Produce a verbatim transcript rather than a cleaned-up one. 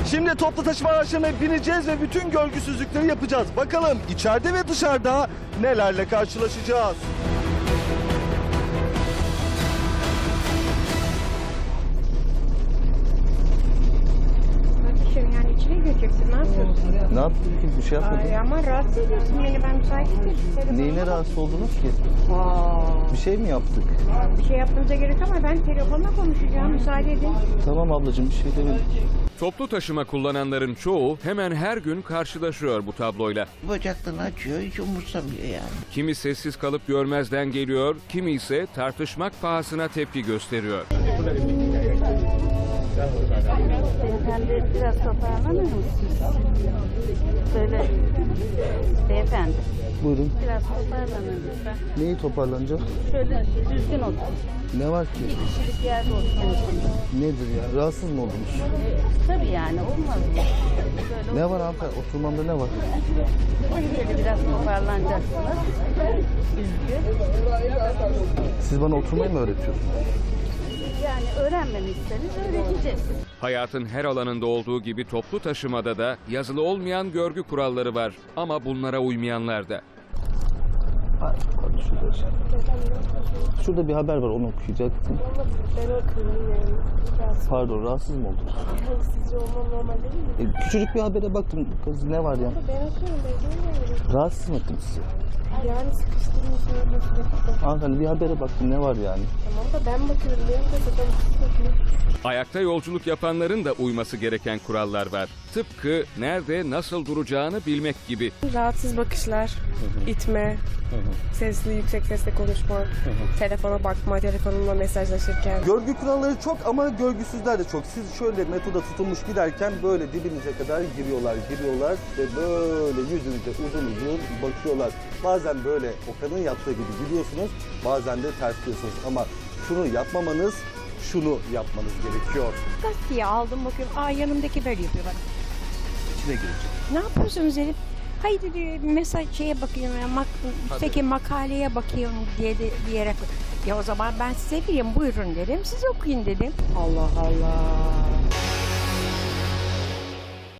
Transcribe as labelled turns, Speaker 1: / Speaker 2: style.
Speaker 1: Şimdi toplu taşıma araçlarına bineceğiz ve bütün görgüsüzlükleri yapacağız. Bakalım içeride ve dışarıda nelerle karşılaşacağız.
Speaker 2: Yani içine gireceksin, ne yapıyorsun?
Speaker 1: Ne yaptın ki? Bir şey yapmadın.
Speaker 2: Ay ama rahatsız ediyorsun beni, ben müsait değilim.
Speaker 1: Neyine rahatsız oldunuz ki?
Speaker 2: Aa,
Speaker 1: Bir şey mi yaptık?
Speaker 2: bir şey yapmanıza gerek ama ben telefonla konuşacağım, müsaade edin.
Speaker 1: Tamam ablacığım, bir şey demedim.
Speaker 3: Toplu taşıma kullananların çoğu hemen her gün karşılaşıyor bu tabloyla.
Speaker 4: Bacaklarını açıyor, hiç umursamıyor yani.
Speaker 3: Kimi sessiz kalıp görmezden geliyor, kimi ise tartışmak pahasına tepki gösteriyor.
Speaker 2: Beyefendi biraz toparlanır mısınız? Söyle beyefendi.
Speaker 1: Buyurun.
Speaker 2: Biraz toparlanın lütfen.
Speaker 1: Neyi toparlanacak?
Speaker 2: Şöyle düzgün oturun.
Speaker 1: Ne var ki?
Speaker 2: Bir kişilik yerde oturun.
Speaker 1: Nedir ya? Rahatsız mı oldunuz?
Speaker 2: Tabii yani olmaz mı? Böyle
Speaker 1: Ne var hanımefendi? Oturmamda ne var?
Speaker 2: şöyle biraz toparlanacaksınız. Düzgün.
Speaker 1: Siz bana oturmayı mı öğretiyorsunuz?
Speaker 2: Yani öğrenmemişseniz öğreteceğiz.
Speaker 3: Hayatın her alanında olduğu gibi toplu taşımada da yazılı olmayan görgü kuralları var. Ama bunlara uymayanlar da.
Speaker 1: Şurada, şurada bir haber var, onu okuyacaktım.
Speaker 5: Ben okuyayım yani. Biraz
Speaker 1: Pardon, rahatsız mı oldunuz?
Speaker 5: sizce olmam normal değil mi?
Speaker 1: E, küçücük bir habere baktım. Kız ne var ya?
Speaker 5: Ben okuyorum, ben görmüyorum.
Speaker 1: Rahatsız mı ettim sizi?
Speaker 5: Yani sıkıştırmış öyle sürekli.
Speaker 1: Hanımefendi bir habere baktım, ne var yani?
Speaker 5: Tamam da ben bakıyorum, benim de zaten bakıyorum.
Speaker 3: Ayakta yolculuk yapanların da uyması gereken kurallar var. Tıpkı nerede nasıl duracağını bilmek gibi.
Speaker 5: Rahatsız bakışlar, itme, sesli yüksek sesle konuşma, telefona bakma, telefonumla mesajlaşırken.
Speaker 1: Görgü kuralları çok ama görgüsüzler de çok. Siz şöyle metoda tutulmuş giderken böyle dibinize kadar giriyorlar, giriyorlar ve böyle yüzünüze uzun uzun bakıyorlar. Bazen böyle Okan'ın yaptığı gibi gidiyorsunuz, bazen de ters diyorsunuz. Ama şunu yapmamanız, şunu yapmanız gerekiyor.
Speaker 2: Gazeteye aldım bakıyorum. Aa yanımdaki böyle yapıyor bak.
Speaker 1: İçine girecek.
Speaker 2: Ne yapıyorsunuz Elif? Hayır dedi mesaj şeye bakıyorum. Ya, mak üstteki makaleye bakıyorum diye de diyerek. Ya o zaman ben size vereyim buyurun dedim. Siz okuyun dedim. Allah Allah.